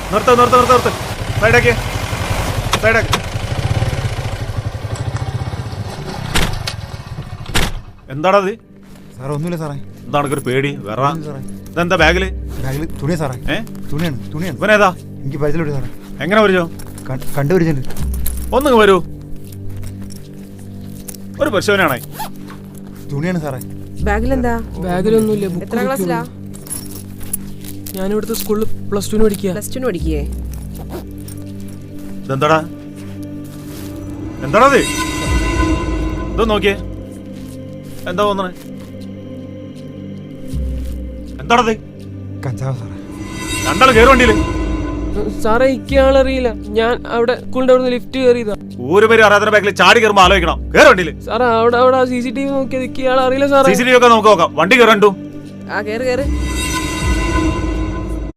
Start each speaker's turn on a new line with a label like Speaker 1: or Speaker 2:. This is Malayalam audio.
Speaker 1: നിർത്ത് നിർത്ത് നിർത്ത് നിർത്ത്. സൈഡാക്കി സൈഡാക്കി. എന്താണത്?
Speaker 2: സാറേ ഒന്നുമില്ല സാറേ.
Speaker 1: എന്താണ് ഒരു പേടി? വേറെ
Speaker 2: സാറേ
Speaker 1: ഇതെന്താ ബാഗില്?
Speaker 2: ബാഗിൽ തുണിയാ സാറേ. തുണിയാണ് തുണിയാണ്.
Speaker 1: ഇവനേതാ?
Speaker 2: എനിക്ക് പരിചയമില്ല സാറേ.
Speaker 1: എങ്ങനെ വരൂ?
Speaker 2: കണ്ടുപിടിച്ചിട്ടുണ്ട്.
Speaker 1: ഒന്നിങ്ങ് വരൂ. ഒരു പരിശോധനയാണേ.
Speaker 2: തുണിയാണ് സാറേ.
Speaker 3: ബാഗിലെന്താ?
Speaker 4: ബാഗിലൊന്നുമില്ല.
Speaker 3: എത്ര ക്ലാസ്സിലാ?
Speaker 4: ഞാനിവിടുത്തെ സ്കൂളിൽ +2 പഠിക്കുക.
Speaker 3: +2 പഠിക്കേ?
Speaker 1: ഇതെന്താടാ? എന്താണത്? ഇത് നോക്കിയേ. എന്താ തോന്നണേ? എന്താണത്?
Speaker 2: കഞ്ചാവ് സാറേ.
Speaker 1: രണ്ടാൾ കയറി വണ്ടിയില്.
Speaker 4: സാറേ ഇയാളറിയില്ല. ഞാൻ അവിടെ സ്കൂളിന്റെ അവിടെ ലിഫ്റ്റ് കയറിയതാ.
Speaker 1: ഒരു പേര് അറിയാത്ത ബാഗിൽ ചാടി കയറുമ്പോ ആലോചിക്കണം. കയറി വണ്ടിയില്.
Speaker 4: സാറേ അവിടെ CCTV നോക്കിയത് ഇയാളറിയില്ല സാറേ.
Speaker 1: CCTV ഒക്കെ നമുക്ക് നോക്കാം. വണ്ടി കയറണ്ടു.
Speaker 3: ആ കേറ് കേറ്.